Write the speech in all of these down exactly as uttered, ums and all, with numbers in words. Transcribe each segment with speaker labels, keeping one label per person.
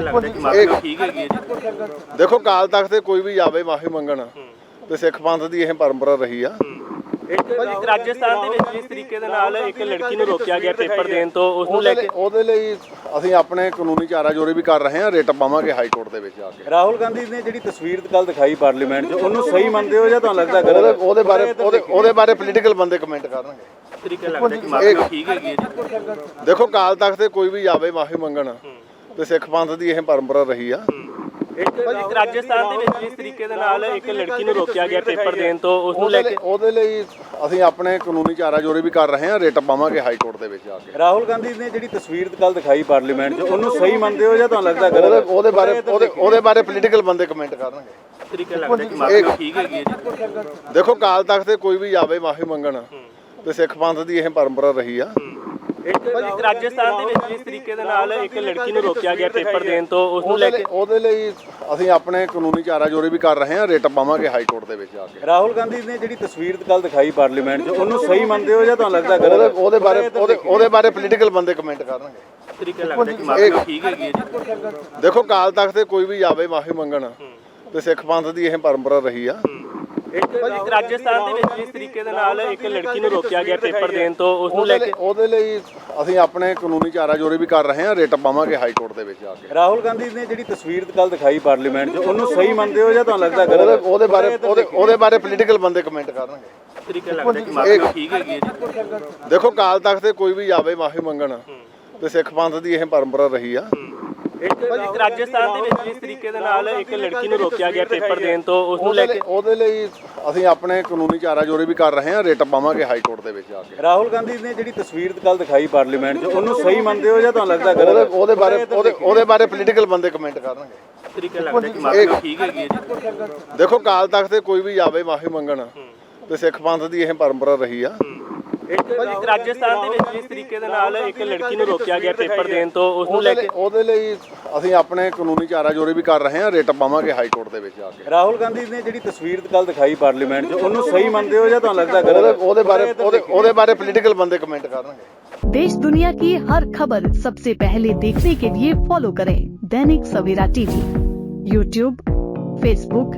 Speaker 1: ਲੱਗਦਾ ਕਿ ਮਾਫੀ ਠੀਕ ਹੈਗੀ ਹੈ ਜੀ?
Speaker 2: ਦੇਖੋ ਕਾਲ ਤਖਤ ਤੇ ਕੋਈ ਵੀ ਜਾਵੇ ਮਾਫੀ ਮੰਗਣ ਤੇ ਸਿੱਖ ਪੰਥ ਦੀ ਇਹ ਪਰੰਪਰਾ ਰਹੀ ਆ।
Speaker 1: ਇੱਕ ਰਾਜਸਥਾਨ ਦੇ ਵਿੱਚ ਜਿਸ ਤਰੀਕੇ ਦੇ ਨਾਲ ਇੱਕ ਲੜਕੀ ਨੂੰ ਰੋਕਿਆ ਗਿਆ ਪੇਪਰ ਦੇਣ ਤੋਂ, ਉਸ ਨੂੰ ਲੈ ਕੇ
Speaker 2: ਉਹਦੇ ਲਈ ਅਸੀਂ ਆਪਣੇ ਕਾਨੂੰਨੀ ਚਾਰਾ ਜੋਰੇ ਵੀ ਕਰ ਰਹੇ ਹਾਂ। ਰਿਟ ਪਾਵਾਂਗੇ ਹਾਈ ਕੋਰਟ ਦੇ ਵਿੱਚ ਜਾ ਕੇ।
Speaker 3: ਰਾਹੁਲ ਗਾਂਧੀ ਨੇ ਜਿਹੜੀ ਤਸਵੀਰ ਕੱਲ ਦਿਖਾਈ ਪਾਰਲੀਮੈਂਟ 'ਚ, ਉਹਨੂੰ ਸਹੀ ਮੰਨਦੇ ਹੋ ਜਾਂ ਤੁਹਾਨੂੰ ਲੱਗਦਾ ਗਲਤ?
Speaker 2: ਉਹਦੇ ਬਾਰੇ ਉਹਦੇ ਉਹਦੇ ਬਾਰੇ ਪੋਲੀਟੀਕਲ ਬੰਦੇ ਕਮੈਂਟ ਕਰਨਗੇ।
Speaker 1: ਤਰੀਕੇ ਲੱਗਦਾ ਕਿ ਮਾਫੀ ਠੀਕ ਹੈਗੀ ਹੈ ਜੀ?
Speaker 2: ਦੇਖੋ ਕਾਲ ਤਖਤ ਤੇ ਕੋਈ ਵੀ ਜਾਵੇ ਮਾਫੀ ਮੰਗਣ ਤੇ ਸਿੱਖ ਪੰਥ ਦੀ ਇਹ ਪਰੰਪਰਾ ਰਹੀ ਆ।
Speaker 1: ਇੱਕ ਰਾਜਸਥਾਨ ਦੇ ਵਿੱਚ ਜਿਸ ਤਰੀਕੇ ਦੇ ਨਾਲ ਇੱਕ ਲੜਕੀ ਨੂੰ ਰੋਕਿਆ ਗਿਆ ਪੇਪਰ ਦੇਣ ਤੋਂ, ਉਸ ਨੂੰ ਲੈ ਕੇ
Speaker 2: ਉਹਦੇ ਲਈ ਅਸੀਂ ਆਪਣੇ ਕਾਨੂੰਨੀ ਚਾਰਾ ਜੋਰੇ ਵੀ ਕਰ ਰਹੇ ਹਾਂ। ਰਿਟ ਪਾਵਾਂਗੇ ਹਾਈ ਕੋਰਟ ਦੇ ਵਿੱਚ ਜਾ ਕੇ।
Speaker 3: ਰਾਹੁਲ ਗਾਂਧੀ ਨੇ ਜਿਹੜੀ ਤਸਵੀਰ ਕੱਲ ਦਿਖਾਈ ਪਾਰਲੀਮੈਂਟ 'ਚ, ਉਹਨੂੰ ਸਹੀ ਮੰਨਦੇ ਹੋ ਜਾਂ ਤੁਹਾਨੂੰ ਲੱਗਦਾ ਗਲਤ?
Speaker 2: ਉਹਦੇ ਬਾਰੇ ਉਹਦੇ ਉਹਦੇ ਬਾਰੇ ਪੋਲੀਟੀਕਲ ਬੰਦੇ ਕਮੈਂਟ ਕਰਨਗੇ।
Speaker 1: ਤਰੀਕੇ ਲੱਗਦਾ ਕਿ ਮਾਫੀ ਠੀਕ ਹੈਗੀ ਹੈ ਜੀ?
Speaker 2: ਦੇਖੋ ਕਾਲ ਤਖਤ ਤੇ ਕੋਈ ਵੀ ਜਾਵੇ ਮਾਫੀ ਮੰਗਣ ਤੇ ਸਿੱਖ ਪੰਥ ਦੀ ਇਹ ਪਰੰਪਰਾ ਰਹੀ ਆ।
Speaker 1: ਇੱਕ ਰਾਜਸਥਾਨ ਦੇ ਵਿੱਚ ਜਿਸ ਤਰੀਕੇ ਦੇ ਨਾਲ ਇੱਕ ਲੜਕੀ ਨੂੰ ਰੋਕਿਆ ਗਿਆ ਪੇਪਰ ਦੇਣ ਤੋਂ, ਉਸ ਨੂੰ ਲੈ ਕੇ
Speaker 2: ਉਹਦੇ ਲਈ ਅਸੀਂ ਆਪਣੇ ਕਾਨੂੰਨੀ ਚਾਰਾ ਜੋਰੇ ਵੀ ਕਰ ਰਹੇ ਹਾਂ। ਰਿਟ ਪਾਵਾਂਗੇ ਹਾਈ ਕੋਰਟ ਦੇ ਵਿੱਚ ਜਾ ਕੇ।
Speaker 3: ਰਾਹੁਲ ਗਾਂਧੀ ਨੇ ਜਿਹੜੀ ਤਸਵੀਰ ਕੱਲ ਦਿਖਾਈ ਪਾਰਲੀਮੈਂਟ 'ਚ, ਉਹਨੂੰ ਸਹੀ ਮੰਨਦੇ ਹੋ ਜਾਂ ਤੁਹਾਨੂੰ ਲੱਗਦਾ ਗਲਤ?
Speaker 2: ਉਹਦੇ ਬਾਰੇ ਉਹਦੇ ਉਹਦੇ ਬਾਰੇ ਪੋਲੀਟੀਕਲ ਬੰਦੇ ਕਮੈਂਟ ਕਰਨਗੇ।
Speaker 1: ਤਰੀਕੇ ਲੱਗਦਾ ਕਿ ਮਾਫੀ ਠੀਕ ਹੈਗੀ ਹੈ ਜੀ?
Speaker 2: ਦੇਖੋ ਕਾਲ ਤਖਤ ਤੇ ਕੋਈ ਵੀ ਜਾਵੇ ਮਾਫੀ ਮੰਗਣ ਤੇ ਸਿੱਖ ਪੰਥ ਦੀ ਇਹ ਪਰੰਪਰਾ ਰਹੀ ਆ।
Speaker 1: ਇੱਕ ਰਾਜਸਥਾਨ ਦੇ ਵਿੱਚ ਜਿਸ ਤਰੀਕੇ ਦੇ ਨਾਲ ਇੱਕ ਲੜਕੀ ਨੂੰ ਰੋਕਿਆ ਗਿਆ ਪੇਪਰ ਦੇਣ ਤੋਂ, ਉਸ ਨੂੰ ਲੈ ਕੇ
Speaker 2: ਉਹਦੇ ਲਈ ਅਸੀਂ ਆਪਣੇ ਕਾਨੂੰਨੀ ਚਾਰਾ ਜੋਰੇ ਵੀ ਕਰ ਰਹੇ ਹਾਂ। ਰਿਟ ਪਾਵਾਂਗੇ ਹਾਈ ਕੋਰਟ ਦੇ ਵਿੱਚ ਜਾ ਕੇ।
Speaker 3: ਰਾਹੁਲ ਗਾਂਧੀ ਨੇ ਜਿਹੜੀ ਤਸਵੀਰ ਕੱਲ ਦਿਖਾਈ ਪਾਰਲੀਮੈਂਟ 'ਚ, ਉਹਨੂੰ ਸਹੀ ਮੰਨਦੇ ਹੋ ਜਾਂ ਤੁਹਾਨੂੰ ਲੱਗਦਾ ਗਲਤ?
Speaker 2: ਉਹਦੇ ਬਾਰੇ ਉਹਦੇ ਉਹਦੇ ਬਾਰੇ ਪੋਲੀਟੀਕਲ ਬੰਦੇ ਕਮੈਂਟ ਕਰਨਗੇ।
Speaker 1: ਤਰੀਕੇ ਲੱਗਦਾ ਕਿ ਮਾਫੀ ਠੀਕ ਹੈਗੀ ਹੈ ਜੀ?
Speaker 2: ਦੇਖੋ ਕਾਲ ਤਖਤ ਤੇ ਕੋਈ ਵੀ ਜਾਵੇ ਮਾਫੀ ਮੰਗਣ ਤੇ ਸਿੱਖ ਪੰਥ ਦੀ ਇਹ ਪਰੰਪਰਾ ਰਹੀ ਆ।
Speaker 1: ਇੱਕ ਰਾਜਸਥਾਨ ਦੇ ਵਿੱਚ ਜਿਸ ਤਰੀਕੇ ਦੇ ਨਾਲ ਇੱਕ ਲੜਕੀ ਨੂੰ ਰੋਕਿਆ ਗਿਆ ਪੇਪਰ ਦੇਣ ਤੋਂ, ਉਸ ਨੂੰ ਲੈ ਕੇ
Speaker 2: ਉਹਦੇ ਲਈ ਅਸੀਂ ਆਪਣੇ ਕਾਨੂੰਨੀ ਚਾਰਾ ਜੋਰੇ ਵੀ ਕਰ ਰਹੇ ਹਾਂ। ਰਿਟ ਪਾਵਾਂਗੇ ਹਾਈ ਕੋਰਟ ਦੇ ਵਿੱਚ ਜਾ ਕੇ।
Speaker 3: ਰਾਹੁਲ ਗਾਂਧੀ ਨੇ ਜਿਹੜੀ ਤਸਵੀਰ ਕੱਲ ਦਿਖਾਈ ਪਾਰਲੀਮੈਂਟ 'ਚ, ਉਹਨੂੰ ਸਹੀ ਮੰਨਦੇ ਹੋ ਜਾਂ ਤੁਹਾਨੂੰ ਲੱਗਦਾ ਗਲਤ?
Speaker 2: ਉਹਦੇ ਬਾਰੇ ਉਹਦੇ ਉਹਦੇ ਬਾਰੇ ਪੋਲੀਟੀਕਲ ਬੰਦੇ ਕਮੈਂਟ ਕਰਨਗੇ।
Speaker 1: ਤਰੀਕੇ ਲੱਗਦਾ ਕਿ ਮਾਫੀ ਠੀਕ ਹੈਗੀ ਹੈ ਜੀ?
Speaker 2: ਦੇਖੋ ਕਾਲ ਤਖਤ ਤੇ ਕੋਈ ਵੀ ਜਾਵੇ ਮਾਫੀ ਮੰਗਣ ਤੇ ਸਿੱਖ ਪੰਥ ਦੀ ਇਹ ਪਰੰਪਰਾ ਰਹੀ ਆ।
Speaker 1: ਇੱਕ ਰਾਜਸਥਾਨ ਦੇ ਵਿੱਚ ਜਿਸ ਤਰੀਕੇ ਦੇ ਨਾਲ ਇੱਕ ਲੜਕੀ ਨੂੰ ਰੋਕਿਆ ਗਿਆ ਪੇਪਰ ਦੇਣ ਤੋਂ, ਉਸ ਨੂੰ ਲੈ ਕੇ
Speaker 2: ਉਹਦੇ ਲਈ ਅਸੀਂ ਆਪਣੇ ਕਾਨੂੰਨੀ ਚਾਰਾ ਜੋਰੇ ਵੀ ਕਰ ਰਹੇ ਹਾਂ। ਰਿਟ ਪਾਵਾਂਗੇ ਹਾਈ ਕੋਰਟ ਦੇ ਵਿੱਚ ਜਾ ਕੇ।
Speaker 3: ਰਾਹੁਲ ਗਾਂਧੀ ਨੇ ਜਿਹੜੀ ਤਸਵੀਰ ਕੱਲ ਦਿਖਾਈ ਪਾਰਲੀਮੈਂਟ 'ਚ, ਉਹਨੂੰ ਸਹੀ ਮੰਨਦੇ ਹੋ ਜਾਂ ਤੁਹਾਨੂੰ ਲੱਗਦਾ ਗਲਤ?
Speaker 2: ਉਹਦੇ ਬਾਰੇ ਉਹਦੇ ਉਹਦੇ ਬਾਰੇ ਪੋਲੀਟੀਕਲ ਬੰਦੇ ਕਮੈਂਟ ਕਰਨਗੇ।
Speaker 4: देश दुनिया की हर खबर सबसे पहले देखने के लिए फॉलो करें Dainik Savera TV, YouTube, Facebook,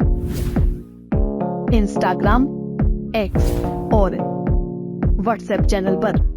Speaker 4: Instagram, X और व्हाट्सएप चैनल पर।